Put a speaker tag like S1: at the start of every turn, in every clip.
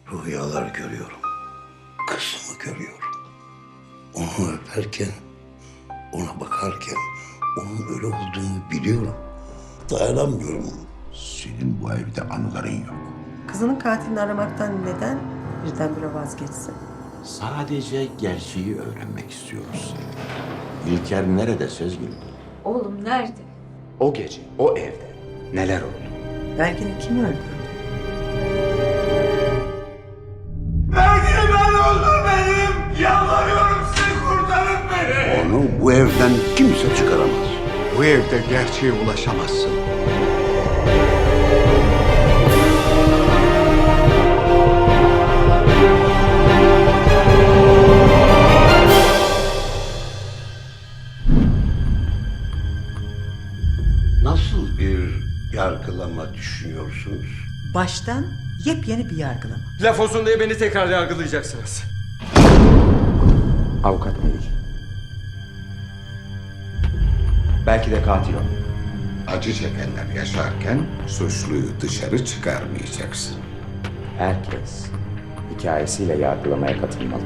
S1: Rüyalar görüyorum. Kızımı görüyorum. Onu öperken, ona bakarken onun öyle olduğunu biliyorum. Dayanamıyorum.
S2: Senin bu evde anıların yok.
S3: Kızının katilini aramaktan neden birdenbire vazgeçsin?
S2: Sadece gerçeği öğrenmek istiyoruz. İlker nerede Sezgin?
S4: Oğlum nerede?
S5: O gece, o evde neler oldu?
S3: Belki kim öldürdü?
S6: Belki ben öldürmedim. Yalvarıyorum sizi kurtarın beni.
S1: Onu bu evden kimse çıkaramaz.
S2: Bu evde gerçeğe ulaşamazsın.
S1: Nasıl bir yargılama düşünüyorsunuz?
S3: Baştan yepyeni bir yargılama.
S6: Laf olsun diye beni tekrar yargılayacaksınız.
S5: Avukat Melih. Belki de katil o.
S2: Acı çekenler yaşarken suçluyu dışarı çıkarmayacaksın.
S5: Herkes hikayesiyle yargılamaya katılmalı.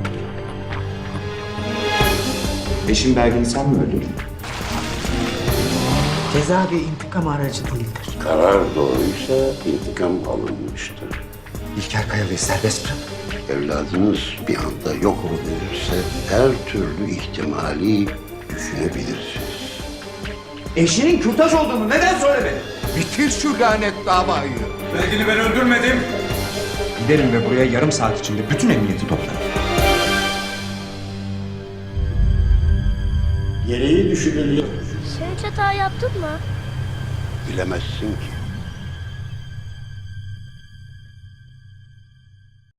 S5: Eşin Belgin'i sen mi öldürdün?
S3: Ceza bir intikam aracı değildir.
S1: Karar doğruysa intikam alınmıştır.
S5: İlker Kayalı'yı serbest bırak.
S1: Evladınız bir anda yok olabilirse her türlü ihtimali düşünebilirsiniz.
S5: Eşinin kürtaj olduğunu neden söylemedin?
S2: Bitir şu lanet davayı.
S6: Belki ben öldürmedim.
S5: Giderim ve buraya yarım saat içinde bütün emniyeti toplarım.
S1: Gereği düşünülüyor.
S7: Sen hiç hata yaptın mı?
S1: Bilemezsin ki.